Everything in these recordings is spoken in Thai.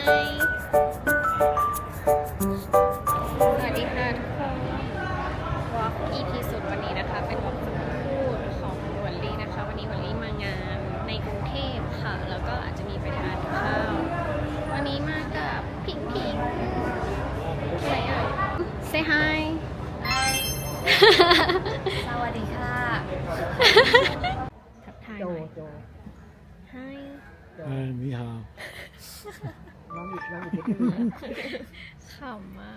สวัสดีค่ะทุกคนวอล์ก EP สุดวันนี้นะคะเป็นวอล์กสมุดพูดของวันลี่นะคะวันนี้วันลี่มางานในกรุงเทพค่ะแล้วก็อาจจะมีไปทานข้าววันนี้มากับพิงพิงใช่ไหม Say hi สวัสดีค่ะทักทายหน่อย Hi 你好。 ขำมาก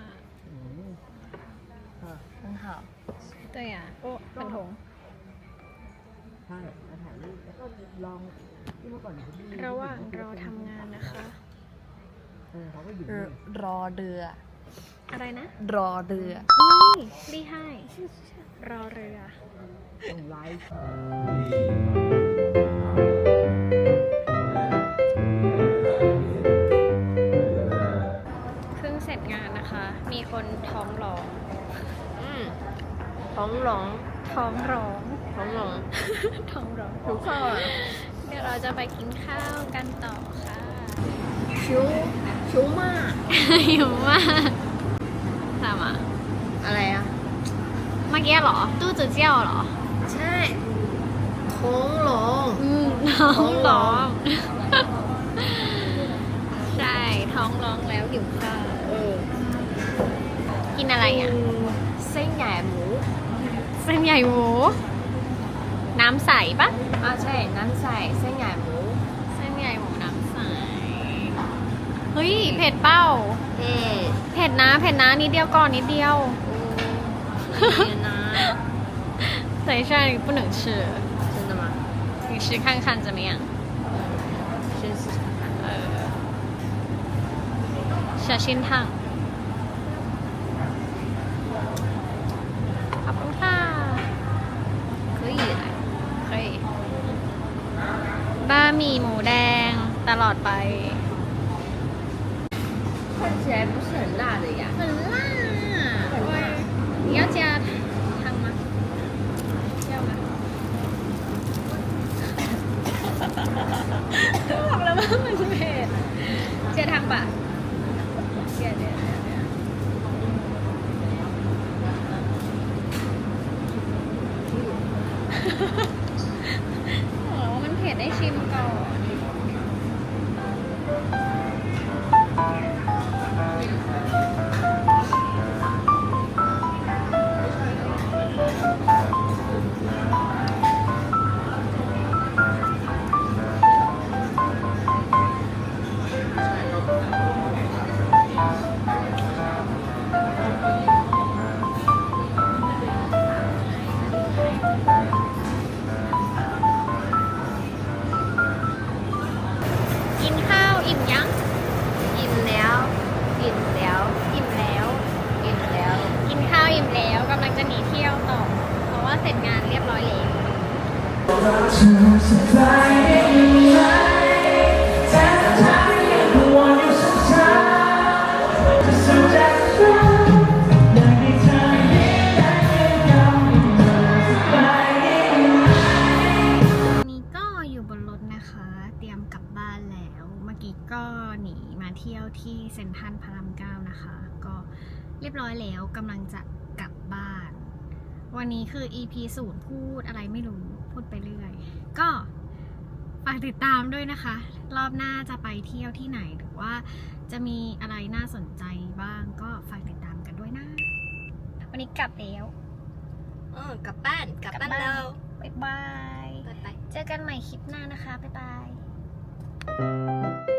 很好对呀โอ้很红ใช่มาถ่ายรูปแล้วก็ลองที่เมื่อก่อนเขาดีระหว่างเราทำงานนะคะเขาก็หยิบรอเรืออะไรนะรอเรืออุ้ยรีให้รอเรือส่งไลฟ์เพิ่งเสร็จงานนะคะ มีคนท้องร้องท้องหลงท้องร้องท้องหลงท้องร้องทุกข้อเดี๋ยวเราจะไปกินข้าวกันต่อค่ะชิวมากหิวมากทำอ่ะอะไรอ่ะเมื่อกี้เหรอ ตู้จืดเจี้ยวเหรอใช่ท้องหลงท้องร้อง ใช่ ท้องร้องแล้วหิวข้าวกินอะไรอ่ะเส้นใหญ่หมูเส้นใหญ่หมู น้ำใสปะใช่น้ำใสเส้นใหญ่หมูเส้นใหญ่หมูน้ำใส เฮ้ย เผ็ดเป้าเอ๊ะเผ็ดนะนิดเดียวก่อนนิดเดียวเนี่ยนะ等一下你不能吃真的吗你吃看看怎么样先试试看小心烫ขอบคุณค่ะ可以来可以บะหมี่หมูแดงตลอดไป看起来不是很辣的呀很辣喂你要加汤吗要吗บอกแล้วว่ามันเผ็ดเจียทางปะเจียบอกว่ามันเผ็ดได้ชิมก่อนกินข้าวอิ่มยังอิ่มแล้วอิ่มแล้วอิ่มแล้วอิ่มแล้วกินข้าวอิ่มแล้วกำลังจะหนีเที่ยวต่อ เพราะว่าเสร็จงานเรียบร้อยแล้วนี่ก็อยู่บนรถนะคะ เตรียมกลับบ้านแล้ว เมื่อกี้ก็หนีมาเที่ยวที่เซ็นทรัลพระราม9นะคะ ก็เรียบร้อยแล้วกำลังจะกลับบ้าน วันนี้คือ EP 0พูดอะไรไม่รู้พูดไปเรื่อย ก็ฝากติดตามด้วยนะคะ รอบหน้าจะไปเที่ยวที่ไหนหรือว่าจะมีอะไรน่าสนใจบ้างก็ฝากติดตามกันด้วยนะ วันนี้กลับแล้วกลับบ้านแล้วบ๊ายบายบ๊ายบายเจอกันใหม่คลิปหน้านะคะ บ๊ายบาย